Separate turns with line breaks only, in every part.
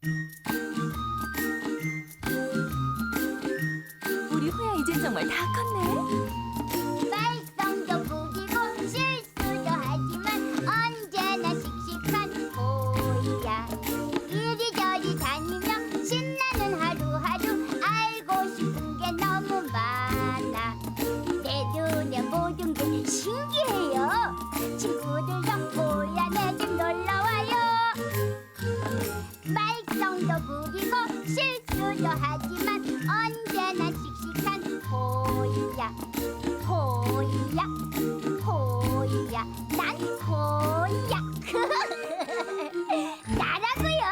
우리 호야 이제 정말 다 컸네.
말썽도 부리고 실수도 하지만 언제나 씩씩한 호야. 이리저리 다니며 신나는 하루하루 알고 싶은 게 너무 많아. 내 눈에 모든 게 신기해요. 친구들도 호야 내 집 놀러와요. 말썽도 부리고 실수도 하지만 언제나 씩씩한 호야. 호야 호야 난 호야. 나라고요.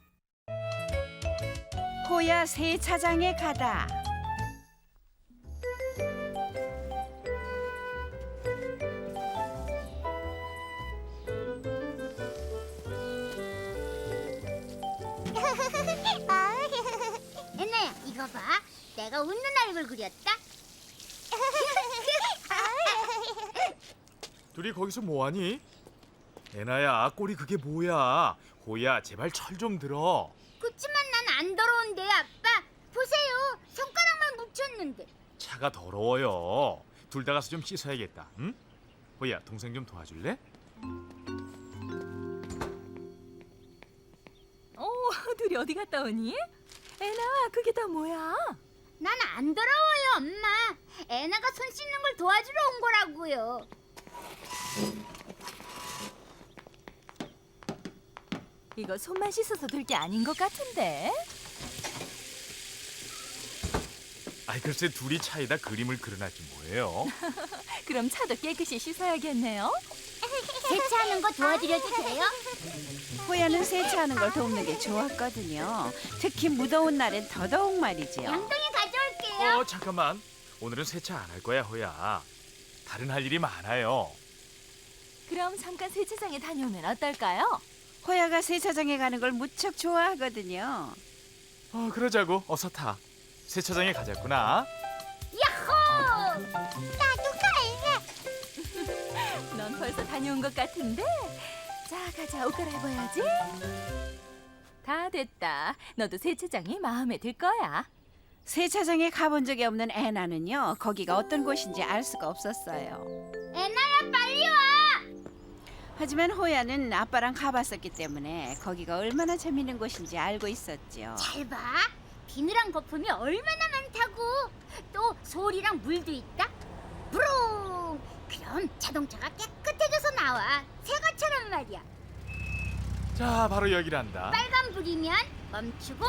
호야 세차장에 가다.
애나야 이거 봐. 내가 웃는 얼굴 그렸다.
둘이 거기서 뭐하니? 애나야, 꼴이 그게 뭐야? 호야, 제발 철 좀 들어.
그치만 난 안 더러운데 아빠. 보세요. 손가락만 묻혔는데.
차가 더러워요. 둘 다 가서 좀 씻어야겠다. 응? 호야, 동생 좀 도와줄래?
둘이 어디 갔다 오니? 애나, 그게 다 뭐야?
난 안 더러워요 엄마. 애나가 손 씻는 걸 도와주러 온 거라고요.
이거 손만 씻어서 될 게 아닌 것 같은데.
아이, 글쎄 둘이 차에다 그림을 그려놨지 뭐예요.
그럼 차도 깨끗이 씻어야겠네요.
세차하는 거 도와드려도 돼요?
호야는 세차하는 걸 돕는 게 좋았거든요. 특히 무더운 날엔 더더욱 말이지요.
양동이 가져올게요.
잠깐만. 오늘은 세차 안 할 거야, 호야. 다른 할 일이 많아요.
그럼 잠깐 세차장에 다녀오면 어떨까요?
호야가 세차장에 가는 걸 무척 좋아하거든요.
그러자고. 어서 타. 세차장에 가자꾸나.
야호! 나도 갈래.
넌 벌써 다녀온 것 같은데. 자, 가자. 옷 갈아입어야지. 다 됐다. 너도 세차장이 마음에 들 거야.
세차장에 가본 적이 없는 애나는요, 거기가 어떤 곳인지 알 수가 없었어요.
애나야 빨리 와.
하지만 호야는 아빠랑 가봤었기 때문에 거기가 얼마나 재밌는 곳인지 알고 있었죠.
잘 봐. 비늘한 거품이 얼마나 많다고. 또 소리랑 물도 있다. 브롱. 그럼 자동차가 깨끗해져서 나와. 새것처럼 말이야.
자, 바로 여기란다.
빨간불이면 멈추고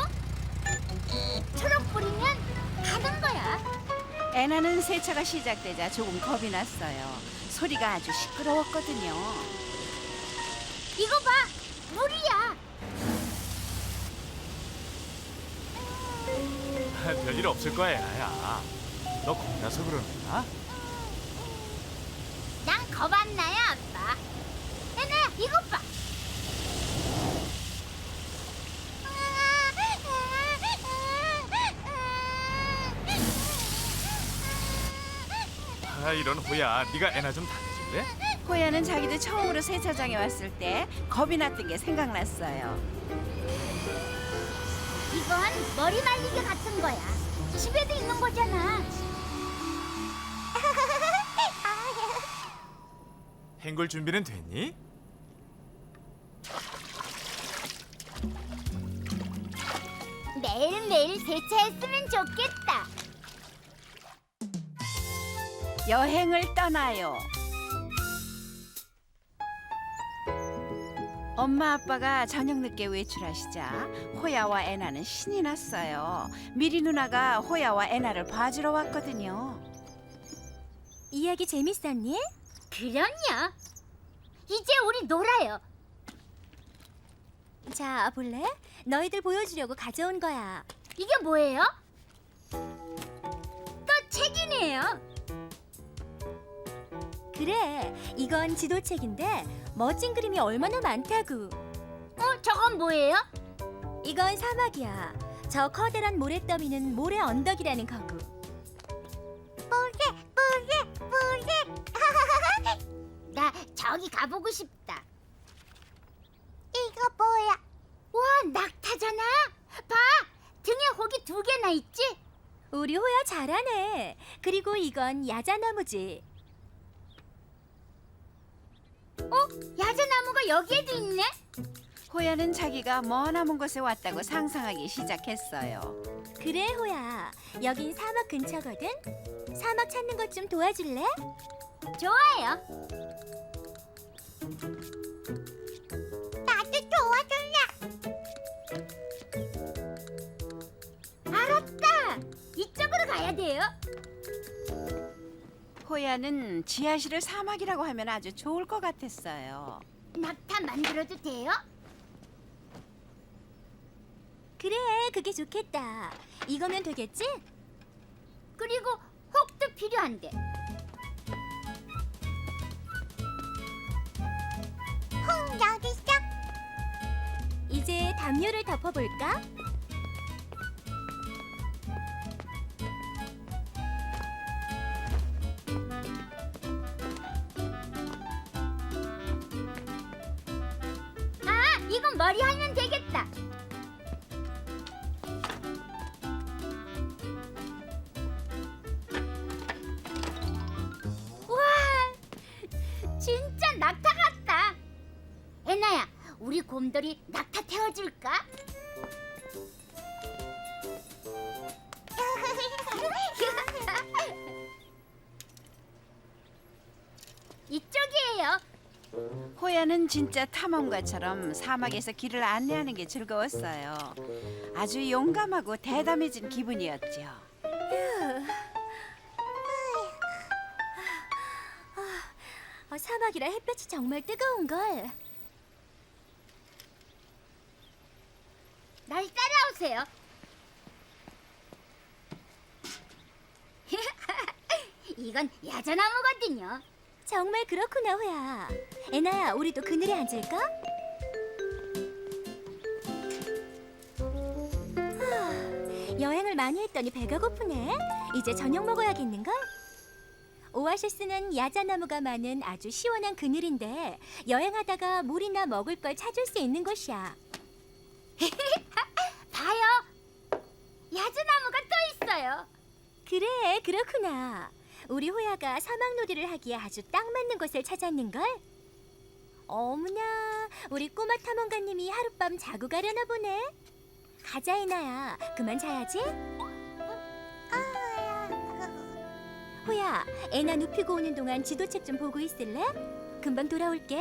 초록불이면 가는 거야.
애나는 세차가 시작되자 조금 겁이 났어요. 소리가 아주 시끄러웠거든요.
이거 봐. 물이야.
별일 없을 거야, 애나야. 너 겁나서 그러는구나.
난 겁 안 나요, 아빠. 애나야, 이것 봐.
이런 호야, 네가 애나 좀 다녀줄래?
호야는 자기도 처음으로 세차장에 왔을 때 겁이 났던 게 생각났어요.
이건 머리 말리기 같은 거야. 집에도 있는 거잖아.
헹굴 준비는 됐니?
매일매일 세차했으면 좋겠다.
여행을 떠나요. 엄마 아빠가 저녁 늦게 외출하시자 호야와 애나는 신이 났어요. 미리 누나가 호야와 애나를 봐주러 왔거든요.
이야기 재밌었니?
그럼요. 이제 우리 놀아요.
자, 볼래? 너희들 보여주려고 가져온 거야.
이게 뭐예요? 또 책이네요.
그래, 이건 지도책인데 멋진 그림이 얼마나 많다고.
저건 뭐예요?
이건 사막이야. 저 커다란 모래더미는 모래 언덕이라는 거고.
모래. 나 저기 가보고 싶다. 이거 뭐야? 와, 낙타잖아. 봐, 등에 혹이 2개나 있지?
우리 호야 잘하네. 그리고 이건 야자나무지.
야자나무가 여기에도 있네.
호야는 자기가 머나먼 곳에 왔다고 상상하기 시작했어요.
그래 호야. 여긴 사막 근처거든. 사막 찾는 것 좀 도와줄래?
좋아요. 나도 도와줄래. 알았다. 이쪽으로 가야 돼요.
호야는 지하실을 사막이라고 하면 아주 좋을 것 같았어요.
낙타 만들어도 돼요?
그래, 그게 좋겠다. 이거면 되겠지?
그리고 혹도 필요한데. 혹 여기 있어.
이제 담요를 덮어볼까?
이건 머리 하면 되겠다. 와, 진짜 낙타 같다. 애나야, 우리 곰돌이 낙타 태워줄까? 이쪽이에요.
호야는 진짜 탐험가처럼 사막에서 길을 안내하는 게 즐거웠어요. 아주 용감하고 대담해진 기분이었죠.
사막이라 햇볕이 정말 뜨거운걸.
날 따라오세요. 이건 야자나무거든요.
정말 그렇구나 호야. 애나야, 우리도 그늘에 앉을까? 여행을 많이 했더니 배가 고프네. 이제 저녁 먹어야겠는걸? 오아시스는 야자나무가 많은 아주 시원한 그늘인데 여행하다가 물이나 먹을 걸 찾을 수 있는 곳이야.
봐요. 야자나무가 또 있어요.
그래, 그렇구나. 우리 호야가 사막놀이를 하기에 아주 딱 맞는 곳을 찾았는걸? 어머나, 우리 꼬마 탐험가님이 하룻밤 자고 가려나 보네. 가자, 이나야. 그만 자야지. 호야, 애나 눕히고 오는 동안 지도책 좀 보고 있을래? 금방 돌아올게.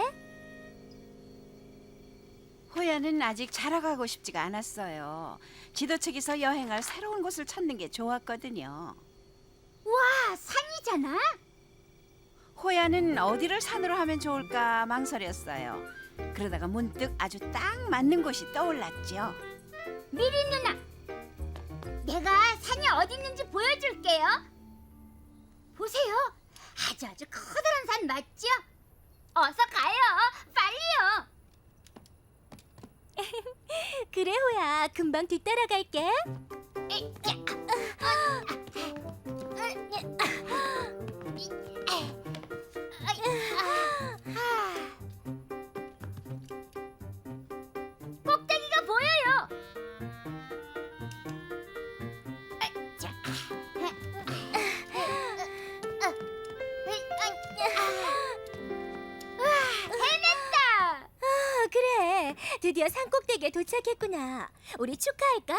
호야는 아직 자라가고 싶지가 않았어요. 지도책에서 여행할 새로운 곳을 찾는 게 좋았거든요.
와, 산이잖아.
호야는 어디를 산으로 하면 좋을까 망설였어요. 그러다가 문득 아주 딱 맞는 곳이 떠올랐죠.
미리 누나, 내가 산이 어디 있는지 보여줄게요. 보세요. 아주 커다란 산 맞죠? 어서 가요. 빨리요.
그래, 호야. 금방 뒤따라갈게.
꼭대기가 보여요. 해냈다.
그래. 드디어 산꼭대기에 도착했구나. 우리 축하할까?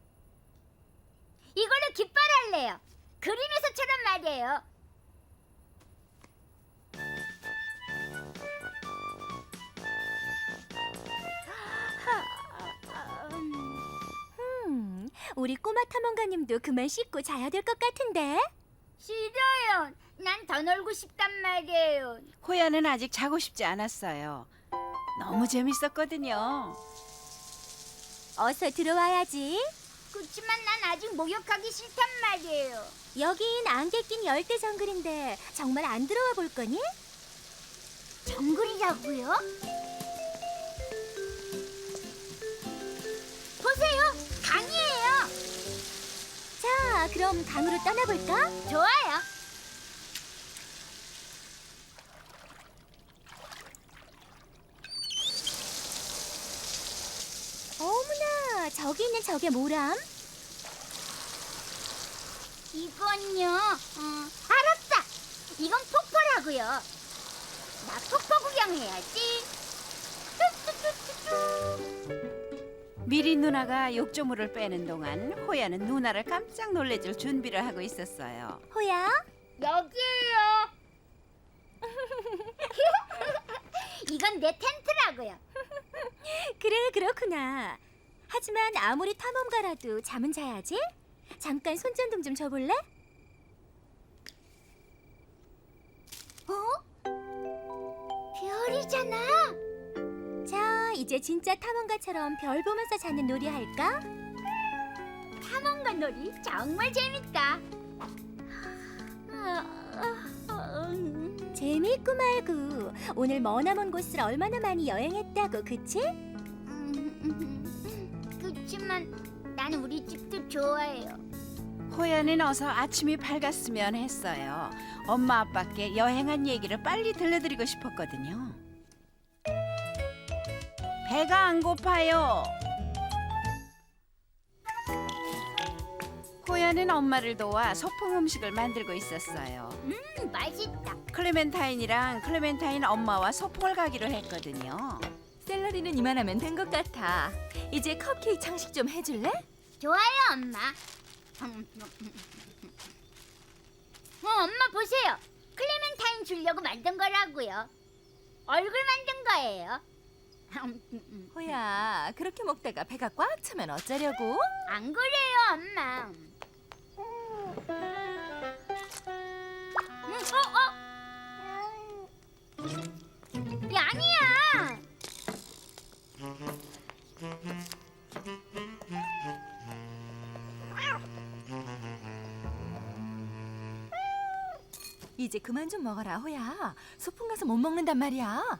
이걸로 깃발할래요. 그림에서처럼 말이에요.
우리 꼬마 탐험가님도 그만 씻고 자야 될 것 같은데.
싫어요. 난 더 놀고 싶단 말이에요.
호야는 아직 자고 싶지 않았어요. 너무 재밌었거든요.
어서 들어와야지.
그렇지만 난 아직 목욕하기 싫단 말이에요.
여긴 안개 낀 열대 정글인데 정말 안 들어와 볼 거니?
정글이라고요? 보세요, 강이에요.
자, 그럼 강으로 떠나볼까?
좋아요.
어머나, 저기 있는 저게 뭐람?
이건요. 알았다. 이건 폭포라고요. 나 폭포 구경해야지.
미리 누나가 욕조물을 빼는 동안 호야는 누나를 깜짝 놀래줄 준비를 하고 있었어요.
호야?
여기에요. 이건 내 텐트라고요.
그래, 그렇구나. 하지만 아무리 탐험가라도 잠은 자야지. 잠깐 손전등 좀 줘볼래?
별이잖아.
자, 이제 진짜 탐험가처럼 별 보면서 자는 놀이 할까?
탐험가 놀이 정말 재밌다.
재미있고 말고 오늘 머나먼 곳을 얼마나 많이 여행했다고, 그치?
그렇지만 난 우리 집도 좋아해요.
호야는 어서 아침이 밝았으면 했어요. 엄마 아빠께 여행한 얘기를 빨리 들려드리고 싶었거든요. 배가 안 고파요. 호야는 엄마를 도와 소풍 음식을 만들고 있었어요.
맛있다.
클레멘타인이랑 클레멘타인 엄마와 소풍을 가기로 했거든요.
샐러리는 이만하면 된 것 같아. 이제 컵케이크 장식 좀 해줄래?
좋아요, 엄마. 엄마 보세요. 클레멘타인 주려고 만든 거라고요. 얼굴 만든 거예요.
호야, 그렇게 먹다가 배가 꽉 차면 어쩌려고?
안 그래요, 엄마. 야, 아니야.
이제 그만 좀 먹어라, 호야. 소풍 가서 못 먹는단 말이야.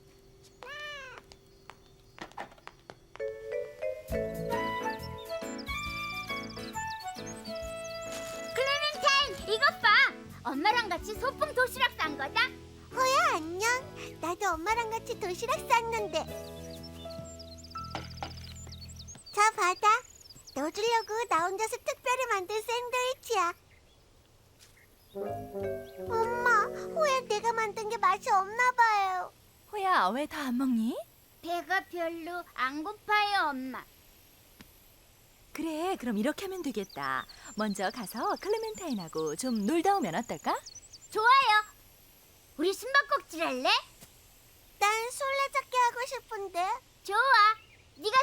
클레멘타인, 이것 봐. 엄마랑 같이 소풍 도시락 싼 거다.
호야 안녕. 나도 엄마랑 같이 도시락 쌌는데. 자 받아. 너 주려고 나 혼자서 특별히 만든 샌드위치야. 엄마, 호야 내가 만든 게 맛이 없나 봐요.
호야, 왜 다 안 먹니?
배가 별로 안 고파요, 엄마.
그래, 그럼 이렇게 하면 되겠다. 먼저 가서 클레멘타인하고 좀 놀다 오면 어떨까?
좋아요. 우리 숨바꼭질 할래?
난 술래잡기 하고 싶은데.
좋아. 네가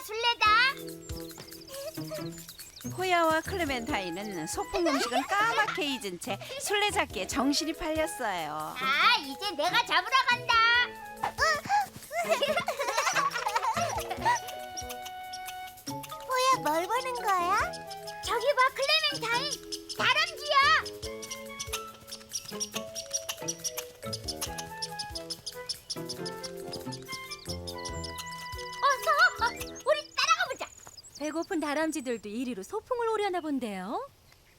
술래다.
호야와 클레멘타인은 소풍 음식은 까맣게 잊은 채 술래잡기에 정신이 팔렸어요.
아, 이제 내가 잡으러 간다.
호야 뭘 보는 거야?
저기 봐, 클레멘타인. 다람쥐야. 어서, 우리 따라가 보자.
배고픈 다람쥐들도 이리로 소풍을 오려나 본데요.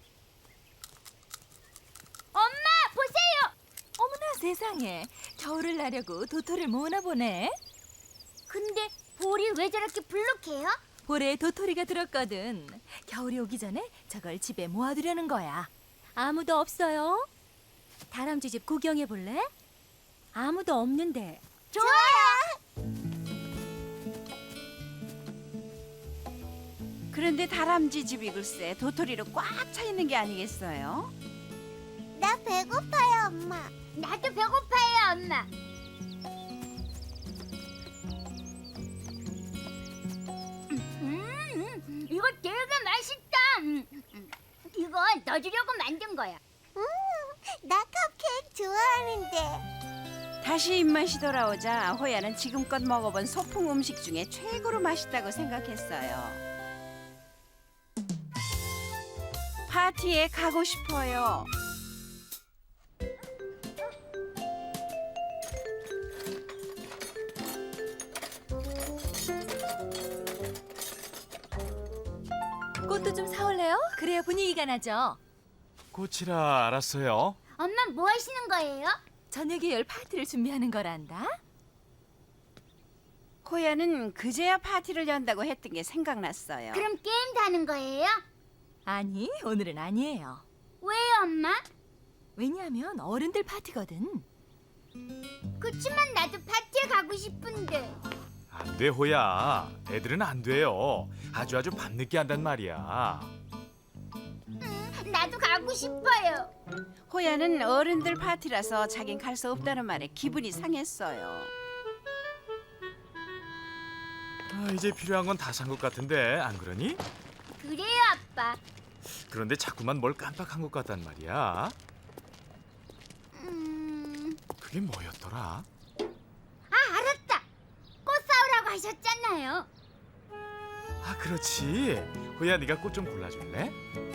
엄마, 보세요.
어머나 세상에, 겨울을 나려고 도토리를 모으나 보네.
근데 볼이 왜 저렇게 불룩해요?
볼에 도토리가 들었거든. 겨울이 오기 전에 저걸 집에 모아두려는 거야. 아무도 없어요? 다람쥐 집 구경해 볼래? 아무도 없는데.
좋아요.
그런데 다람쥐 집이 글쎄 도토리로 꽉 차 있는 게 아니겠어요?
나 배고파요 엄마.
나도 배고파요, 엄마. 이거 되게 맛있다. 이건 너 주려고 만든 거야.
나 컵케이크 좋아하는데.
다시 입맛이 돌아오자 호야는 지금껏 먹어본 소풍 음식 중에 최고로 맛있다고 생각했어요. 파티에 가고 싶어요.
꽃도 좀 사올래요? 그래야 분위기가 나죠.
꽃이라 알았어요.
엄마 뭐 하시는 거예요?
저녁에 열 파티를 준비하는 거란다.
호야는 그제야 파티를 연다고 했던 게 생각났어요.
그럼 게임도 하는 거예요?
아니, 오늘은 아니에요.
왜요, 엄마?
왜냐하면 어른들 파티거든.
그치만 나도 파티에 가고 싶은데.
안 돼, 호야. 애들은 안 돼요. 아주 밤늦게 한단 말이야.
나도 가고 싶어요.
호야는 어른들 파티라서 자긴 갈 수 없다는 말에 기분이 상했어요.
이제 필요한 건 다 산 것 같은데 안 그러니?
그래요, 아빠.
그런데 자꾸만 뭘 깜빡한 것 같단 말이야. 그게 뭐였더라?
알았다. 꽃 사오라고 하셨잖아요.
그렇지. 호야, 네가 꽃 좀 골라줄래?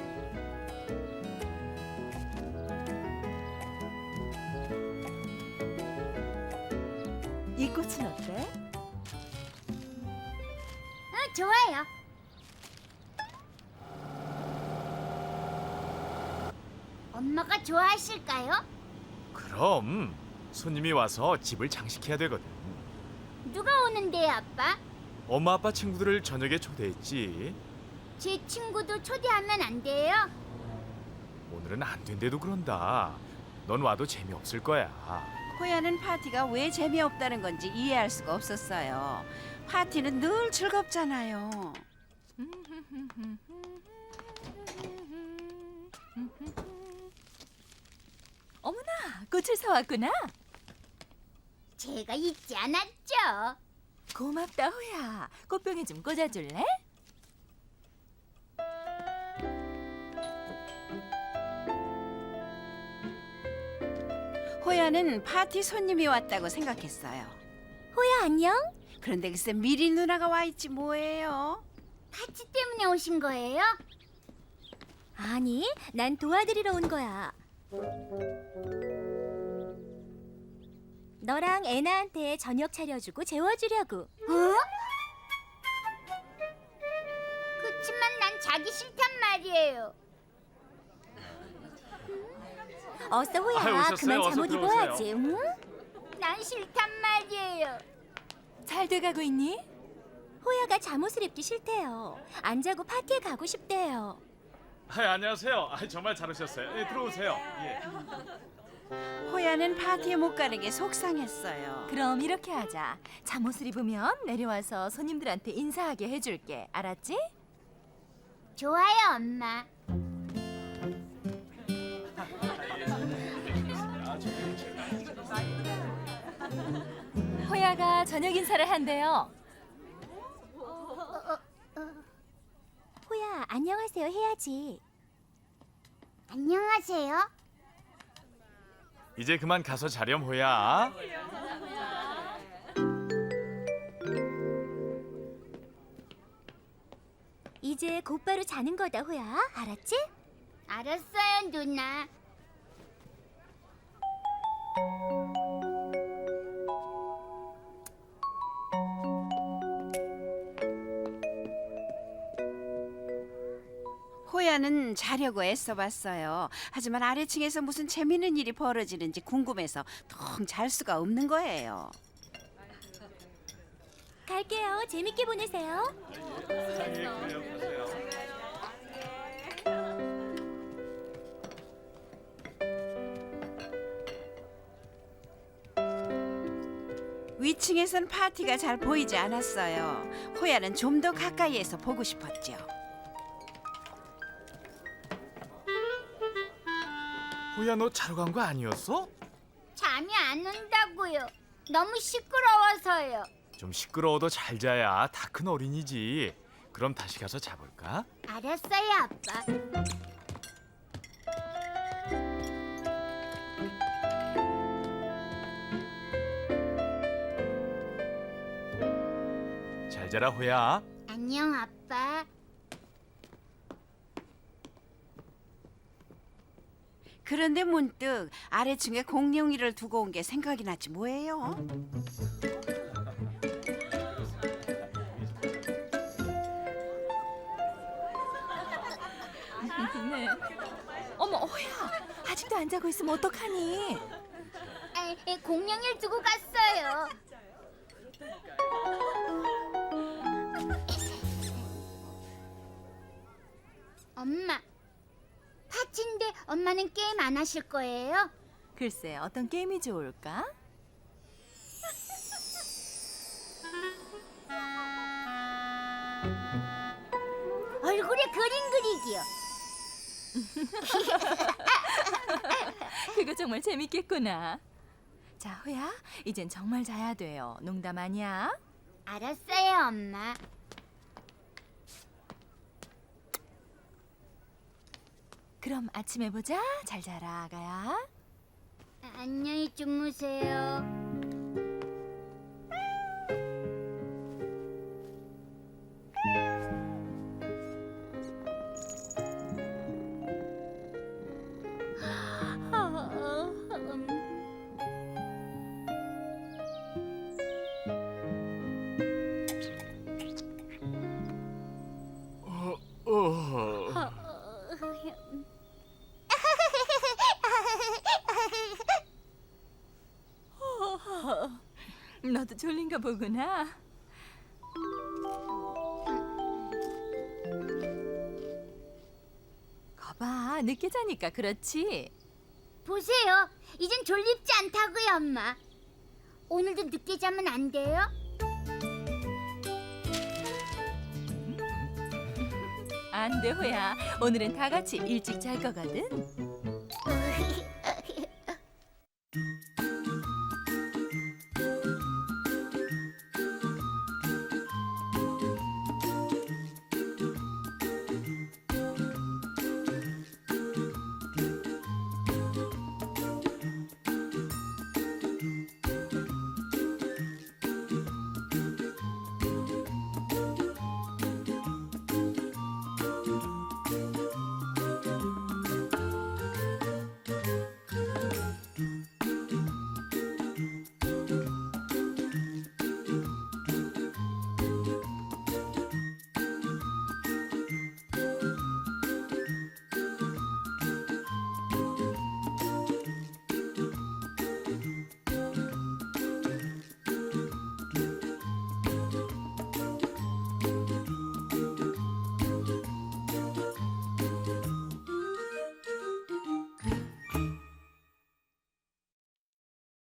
이 꽃은 어때?
좋아요. 엄마가 좋아하실까요?
그럼 손님이 와서 집을 장식해야 되거든.
누가 오는데요, 아빠?
엄마 아빠 친구들을 저녁에 초대했지.
제 친구도 초대하면 안 돼요?
오늘은 안 된대도 그런다. 넌 와도 재미없을 거야.
호야는 파티가 왜 재미없다는 건지 이해할 수가 없었어요. 파티는 늘 즐겁잖아요.
어머나, 꽃을 사왔구나.
제가 잊지 않았죠.
고맙다, 호야. 꽃병에 좀 꽂아줄래?
호야는 파티 손님이 왔다고 생각했어요.
호야 안녕?
그런데 글쎄 미리 누나가 와 있지 뭐예요.
파티 때문에 오신 거예요?
아니, 난 도와드리러 온 거야. 너랑 애나한테 저녁 차려주고 재워주려고.
어? 그치만 난 자기 싫단 말이에요.
어서 호야,
오셨어요.
그만
어서
잠옷
들어오세요.
입어야지. 응?
난 싫단 말이에요.
잘 돼가고 있니?
호야가 잠옷을 입기 싫대요. 안 자고 파티에 가고 싶대요.
안녕하세요. 정말 잘 오셨어요. 들어오세요.
호야는 파티에 못 가는 게 속상했어요.
그럼 이렇게 하자. 잠옷을 입으면 내려와서 손님들한테 인사하게 해줄게. 알았지?
좋아요, 엄마.
호야가 저녁 인사를 한대요.
호야, 안녕하세요 해야지.
안녕하세요.
이제 그만 가서 자렴, 호야.
이제 곧바로 자는 거다, 호야. 알았지?
알았어요, 누나.
호야는 자려고 애써봤어요. 하지만 아래층에서 무슨 재밌는 일이 벌어지는지 궁금해서 텅 잘 수가 없는 거예요.
갈게요. 재밌게 보내세요.
위층에선 파티가 잘 보이지 않았어요. 호야는 좀 더 가까이에서 보고 싶었죠.
호야, 너 자러 간 거 아니었어?
잠이 안 온다고요. 너무 시끄러워서요.
좀 시끄러워도 잘 자야 다 큰 어린이지. 그럼 다시 가서 자볼까?
알았어요, 아빠.
잘 자라, 호야.
안녕, 아빠.
그런데 문득 아래층에 공룡이를 두고 온 게 생각이 났지 뭐예요.
네. 어머, 호야. 아직도 안 자고 있으면 어떡하니?
공룡이를 두고 갔어요. 엄마, 파티인데 엄마는 게임 안 하실 거예요?
글쎄, 어떤 게임이 좋을까?
얼굴에 그림 그리기요.
그거 정말 재밌겠구나. 자, 호야, 이젠 정말 자야 돼요. 농담 아니야?
알았어요, 엄마.
그럼 아침에 보자. 잘 자라, 아가야.
안녕히 주무세요.
너도 졸린가 보구나. 거봐, 늦게 자니까 그렇지.
보세요. 이젠 졸립지 않다고요, 엄마. 오늘도 늦게 자면 안 돼요?
안 돼, 호야. 오늘은 다 같이 일찍 잘 거거든.